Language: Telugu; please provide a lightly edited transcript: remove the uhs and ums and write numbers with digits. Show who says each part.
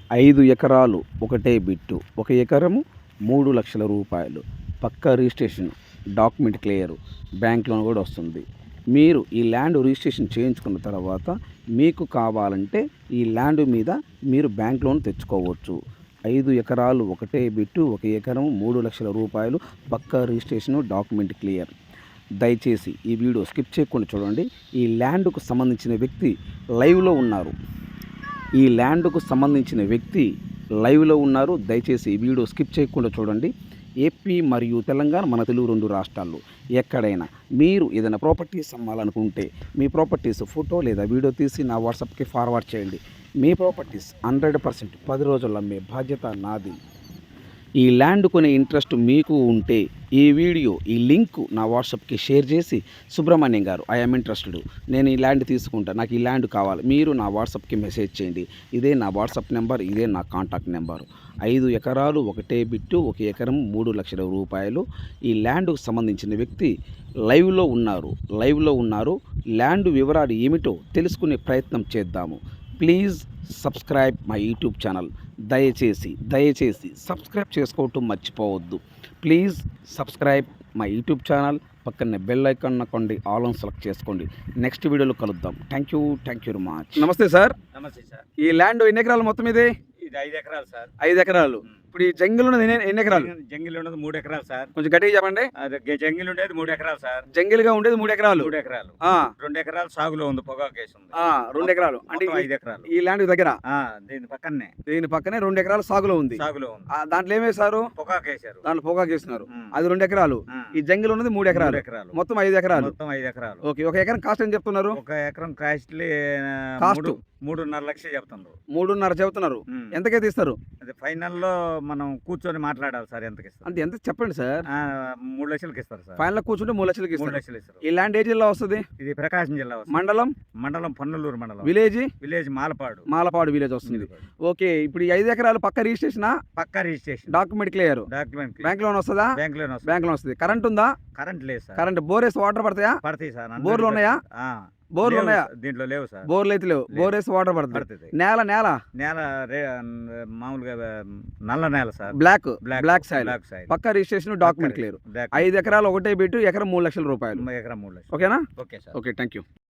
Speaker 1: 5 ఎకరాలు ఒకటే బిట్టు. 1 ఎకరము 3,00,000 రూపాయలు. పక్కా registration, document clear, bank loan కూడా వస్తుంది. మీరు ఈ ల్యాండ్ రిజిస్ట్రేషన్ చేయించుకున్న తర్వాత మీకు కావాలంటే ఈ ల్యాండ్ మీద మీరు బ్యాంక్ లోన్ తెచ్చుకోవచ్చు. 5 ఎకరాలు ఒకటే బిట్టు. 1 ఎకరం 3,00,000 రూపాయలు. పక్కా రిజిస్ట్రేషను, డాక్యుమెంట్ క్లియర్. దయచేసి ఈ వీడియో స్కిప్ చేయకుండా చూడండి. ఈ ల్యాండ్కు సంబంధించిన వ్యక్తి లైవ్లో ఉన్నారు. ఈ ల్యాండ్కు సంబంధించిన వ్యక్తి లైవ్లో ఉన్నారు. దయచేసి ఈ వీడియో స్కిప్ చేయకుండా చూడండి. ఏపీ మరియు తెలంగాణ, మన తెలుగు 2 రాష్ట్రాల్లో ఎక్కడైనా మీరు ఏదైనా ప్రాపర్టీస్ అమ్మాలనుకుంటే మీ ప్రాపర్టీస్ ఫోటో లేదా వీడియో తీసి నా వాట్సాప్కి ఫార్వర్డ్ చేయండి. మీ ప్రాపర్టీస్ 100% 10 రోజుల్లో అమ్మే బాధ్యత నాది. ఈ ల్యాండ్ కొనే ఇంట్రెస్ట్ మీకు ఉంటే ఈ వీడియో, ఈ లింక్ నా వాట్సాప్కి షేర్ చేసి, సుబ్రహ్మణ్యం గారు ఐఎమ్ ఇంట్రెస్టెడ్, నేను ఈ ల్యాండ్ తీసుకుంటా, నాకు ఈ ల్యాండ్ కావాలి, మీరు నా వాట్సాప్కి మెసేజ్ చేయండి. ఇదే నా వాట్సాప్ నెంబర్, ఇదే నా కాంటాక్ట్ నెంబరు. 5 ఎకరాలు ఒకటే బిట్టు. 1 ఎకరం 3,00,000 రూపాయలు. ఈ ల్యాండ్కు సంబంధించిన వ్యక్తి లైవ్లో ఉన్నారు. ల్యాండ్ వివరాలు ఏమిటో తెలుసుకునే ప్రయత్నం చేద్దాము. Please subscribe my YouTube channel. దయచేసి సబ్స్క్రైబ్ చేసుకోవటం మర్చిపోవద్దు. Please subscribe my YouTube channel. పక్కనే బెల్ ఐకాన్ నొక్కండి, ఆల్ ఆన్ సెలెక్ట్ చేసుకోండి. నెక్స్ట్ వీడియోలో కలుద్దాం. Thank you very much. నమస్తే సార్.
Speaker 2: నమస్తే సార్.
Speaker 1: ఈ ల్యాండ్ ఎన్ని ఎకరాలు మొత్తం ఇది?
Speaker 2: ఇది 5 ఎకరాలు సార్.
Speaker 1: 5 ఎకరాలు. ఇప్పుడు ఈ జంగిల్ ఉన్నది ఎన్ని ఎకరాలు?
Speaker 2: జంగిల్ ఉన్నది 3 ఎకరాలు సార్.
Speaker 1: కొంచెం గట్టిగా చెప్పండి.
Speaker 2: జంగిల్ ఉండేది 3 ఎకరాలు సార్.
Speaker 1: జంగిల్ గా ఉండేది 3 ఎకరాలు.
Speaker 2: 3 ఎకరాలు.
Speaker 1: 2
Speaker 2: ఎకరాలు సాగులో ఉంది, పొగాకు కేసు ఉంది.
Speaker 1: 2 ఎకరాలు అంటే
Speaker 2: 5 ఎకరాలు.
Speaker 1: ఈ ల్యాండ్ దగ్గర
Speaker 2: దీని పక్కనే
Speaker 1: 2 ఎకరాలు సాగులో ఉంది. దాంట్లో ఏమేశారు?
Speaker 2: పొగాకు వేసారు.
Speaker 1: దాంట్లో పొగాకు వేస్తున్నారు. అది 2 ఎకరాలు. ఈ జంగిల్ ఉన్నది 3 ఎకరాలు. మొత్తం 5 ఎకరాలు. ఓకే. 1 ఎకరం కాస్ట్ ఏం చెప్తున్నారు?
Speaker 2: 1 ఎకరం కాస్ట్ 3.5 లక్షలు చెప్తున్నారు.
Speaker 1: 3.5 చెబుతున్నారు. ఎంతకైతే ఇస్తారు?
Speaker 2: అది ఫైనల్ లో మనం కూర్చొని మాట్లాడాలి సార్. ఎంతకి ఇస్తారు
Speaker 1: అంటే ఎంత చెప్పండి సార్.
Speaker 2: 3 లక్షలకి ఇస్తారు సార్.
Speaker 1: ఫైనల్ కూర్చుంటే 3 లక్షలకి ఇస్తారు.
Speaker 2: 3 లక్షలు ఇస్తారు.
Speaker 1: ఈ ల్యాండ్ ఏ జిల్లా వస్తుంది?
Speaker 2: ఇది ప్రకాశం జిల్లా వస్తుంది. మండలం పొన్నలూరు మండలం.
Speaker 1: విలేజ్ మాలపాడు విలేజ్ వస్తుంది. ఓకే. ఇప్పుడు ఈ 5 ఎకరాలు పక్క registration, document clear, bank loan వస్తుందా? బ్యాంక్ లోన్ వస్తుంది. కరెంట్ ఉందా?
Speaker 2: కరెంట్ లేదు సార్.
Speaker 1: కరెంట్ బోరేస్ వాటర్ పడతాయా?
Speaker 2: పడతాయి సార్.
Speaker 1: బోర్లు ఉన్నాయా? బోర్లు ఉన్నాయా?
Speaker 2: దీంట్లో లేవు సార్.
Speaker 1: బోర్లు అయితే లేవు. బోర్ వేసి వాటర్ పడుతుంది. నేల
Speaker 2: మామూలుగా నల్ల నేల సార్.
Speaker 1: Black soil. పక్క రిజిస్ట్రేషన్, డాక్యుమెంట్ క్లియర్. 5 ఎకరాలు ఒకటే బిట్టు. ఎకరం 3 లక్షల రూపాయలు.
Speaker 2: ఎకరం 3 లక్షలు.
Speaker 1: ఓకేనా?
Speaker 2: Okay sir.
Speaker 1: Okay. Thank you.